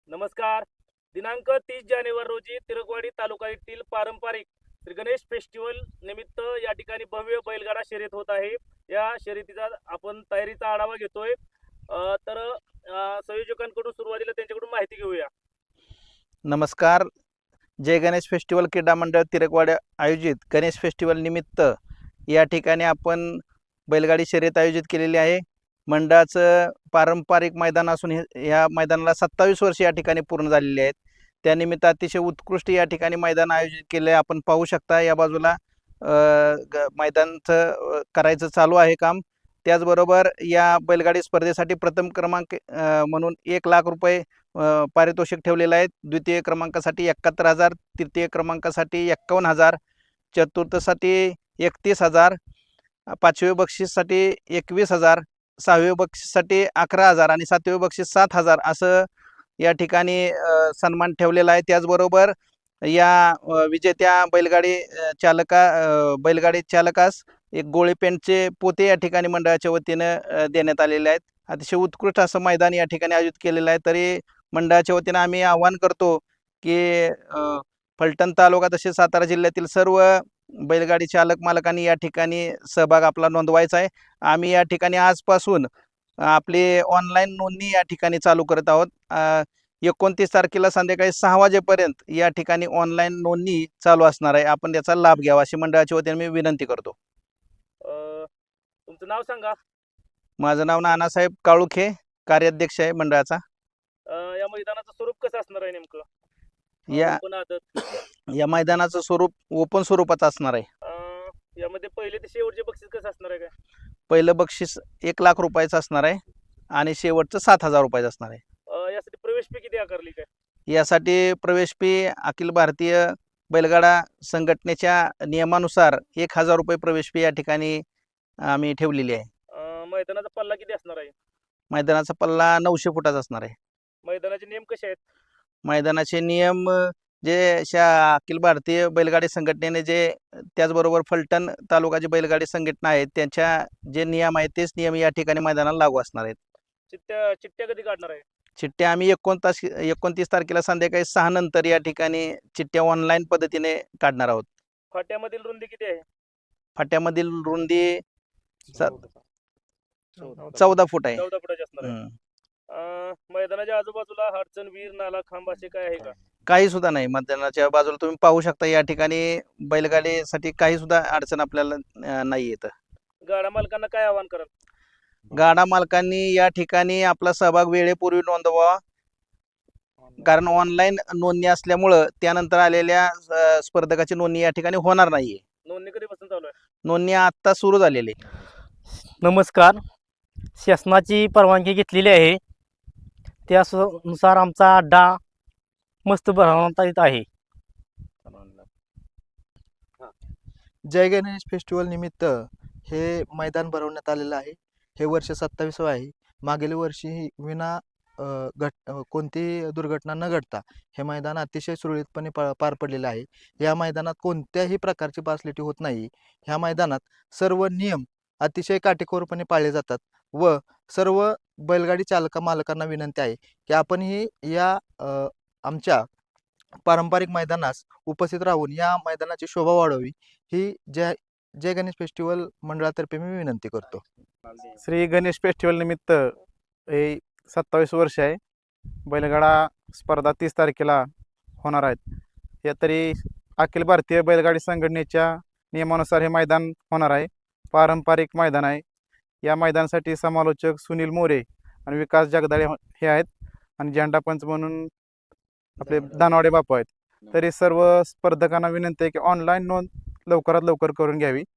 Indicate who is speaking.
Speaker 1: नमस्कार. दिनांक 30 जानेवारी रोजी तिरकवाडी तालुका येथील पारंपरिक श्री गणेश फेस्टिवल निमित्त या ठिकाणी भव्य बैलगाडा शर्यत होत आहे. या शर्यतीचा आपण तयारीचा आढावा घेतोय. संयोजकांकडून सुरुवातीला त्यांच्याकडून माहिती घेऊया.
Speaker 2: नमस्कार. जय गणेश फेस्टिवल क्रीडा मंडळ तिरकवाडी आयोजित गणेश फेस्टिवल निमित्त या ठिकाणी आपण बैलगाडी शर्यत आयोजित केलेली आहे. मंडळाचं पारंपरिक मैदान असून या मैदानाला 27 वर्ष या ठिकाणी पूर्ण झालेली आहेत. त्यानिमित्त अतिशय उत्कृष्ट या ठिकाणी मैदान आयोजित केले आहे. आपण पाहू शकता या बाजूला मैदानचं करायचं चालू आहे काम. त्याचबरोबर या बैलगाडी स्पर्धेसाठी प्रथम क्रमांक म्हणून 1 लाख रुपये पारितोषिक ठेवलेलं आहे. द्वितीय क्रमांकासाठी 71,000, तृतीय क्रमांकासाठी 51,000, चतुर्थसाठी 31,000, पाचवे बक्षीससाठी 21,000, सहावे बक्षीससाठी 11,000 आणि सातवे बक्षीस 7,000 असं या ठिकाणी सन्मान ठेवलेला आहे. त्याचबरोबर या विजेत्या बैलगाडी चालकास एक गोळी पेंटचे पोते या ठिकाणी मंडळाच्या वतीनं देण्यात आलेले आहेत. अतिशय उत्कृष्ट असं मैदान या ठिकाणी आयोजित केलेलं आहे. तरी मंडळाच्या वतीनं आम्ही आवाहन करतो की फलटण तालुका तसेच सातारा जिल्ह्यातील सर्व बैलगाडी चालक मालकांनी या ठिकाणी सहभाग आपला नोंदवायचा आहे. आम्ही या ठिकाणी आजपासून आपली ऑनलाईन नोंदणी या ठिकाणी चालू करत आहोत. 29 तारखेला संध्याकाळी 6 वाजेपर्यंत या ठिकाणी ऑनलाईन नोंदणी चालू असणार आहे. आपण त्याचा लाभ घ्यावा अशी मंडळाच्या वतीने मी विनंती करतो.
Speaker 1: तुमचं नाव सांगा.
Speaker 2: माझं नाव नानासाहेब काळुखे, कार्याध्यक्ष आहे मंडळाचा.
Speaker 1: या मैदानाचं स्वरूप कसं असणार आहे नेमकं?
Speaker 2: या मैदानाचं स्वरूप ओपन स्वरूपाचं असणार आहे.
Speaker 1: यामध्ये पहिले ते शेवटचे बक्षीस कसं असणार आहे? काय
Speaker 2: पहिलं बक्षीस 1 लाख रुपयाचं असणार आहे आणि शेवटचं 7,000 रुपयाचं असणार आहे.
Speaker 1: यासाठी प्रवेश फी किती आकारली? काय
Speaker 2: यासाठी प्रवेश फी अखिल भारतीय बैलगाडा संघटनेच्या नियमानुसार 1,000 रुपये प्रवेश फी या ठिकाणी आम्ही ठेवलेली आहे.
Speaker 1: मैदानाचा पल्ला किती असणार आहे?
Speaker 2: मैदानाचा पल्ला 900 फुटाचा असणार आहे.
Speaker 1: मैदानाचे नियम कसे आहेत?
Speaker 2: मैदानाचे नियम जे अखिल भारतीय बैलगाडी संघटनेने त्याचबरोबर फलटण तालुकाची बैलगाडी संघटना आहे त्यांच्या जे नियम आहेत तेच नियम या ठिकाणी मैदानाला लागू असणार आहेत.
Speaker 1: चिठ्ठ्या कधी काढणार आहे?
Speaker 2: चिठ्ठ्या आम्ही 29 तारखेला संध्याकाळी 6 नंतर या ठिकाणी चिठ्ठ्या ऑनलाईन पद्धतीने काढणार आहोत.
Speaker 1: फाट्यामधील रुंदी किती आहे?
Speaker 2: फाट्यामधील रुंदी 14 फूट आहे.
Speaker 1: 14 फुटाची असणार आहे. मैदानाच्या आजूबाजूला अडचण, विहीर, नाला, खांब असे काय आहे का?
Speaker 2: काही सुद्धा नाही. मैदानाच्या बाजूला तुम्ही पाहू शकता या ठिकाणी बैलगाडीसाठी काही सुद्धा अडचण आपल्याला नाही येत.
Speaker 1: गाडा मालकांना काय आवाहन कराल?
Speaker 2: गाडा मालकांनी या ठिकाणी आपला सहभाग वेळेपूर्वी नोंदवावा, कारण ऑनलाईन नोंदणी असल्यामुळं त्यानंतर आलेल्या स्पर्धकाची नोंदणी या ठिकाणी होणार नाहीये.
Speaker 1: नोंदणी कधीपासून चालू आहे?
Speaker 2: नोंदणी आता सुरू झालेली आहे.
Speaker 3: नमस्कार. शासनाची परवानगी घेतलेली आहे, त्यानुसार आमचा अड्डा मस्त भरवण्यात येत आहे.
Speaker 4: जय गणेश फेस्टिवल निमित्त हे मैदान भरवण्यात आलेलं आहे. हे वर्ष 27वं आहे. मागील वर्षी विना कोणतीही दुर्घटना न घडता हे मैदान अतिशय सुरळीतपणे पार पडलेलं आहे. या मैदानात कोणत्याही प्रकारची पासलेटी होत नाही. ह्या मैदानात सर्व नियम अतिशय काटेकोरपणे पाळले जातात व सर्व बैलगाडी मालकांना विनंती आहे की आपणही या आमच्या पारंपरिक मैदानास उपस्थित राहून या मैदानाची शोभा वाढवावी ही जय गणेश फेस्टिवल मंडळातर्फे मी विनंती करतो.
Speaker 5: श्री गणेश फेस्टिवल निमित्त हे 27 वर्ष आहे. बैलगाडा स्पर्धा 30 तारखेला होणार आहेत. या तरी अखिल भारतीय बैलगाडी संघटनेच्या नियमानुसार हे मैदान होणार आहे. पारंपरिक मैदान आहे. या मैदानासाठी समालोचक सुनील मोरे आणि विकास जगदाळे हे आहेत आणि झेंडा पंच म्हणून आपले दानवाडे बापू आहेत. तरी सर्व स्पर्धकांना विनंती आहे की ऑनलाईन नोंद लवकरात लवकर करून घ्यावी.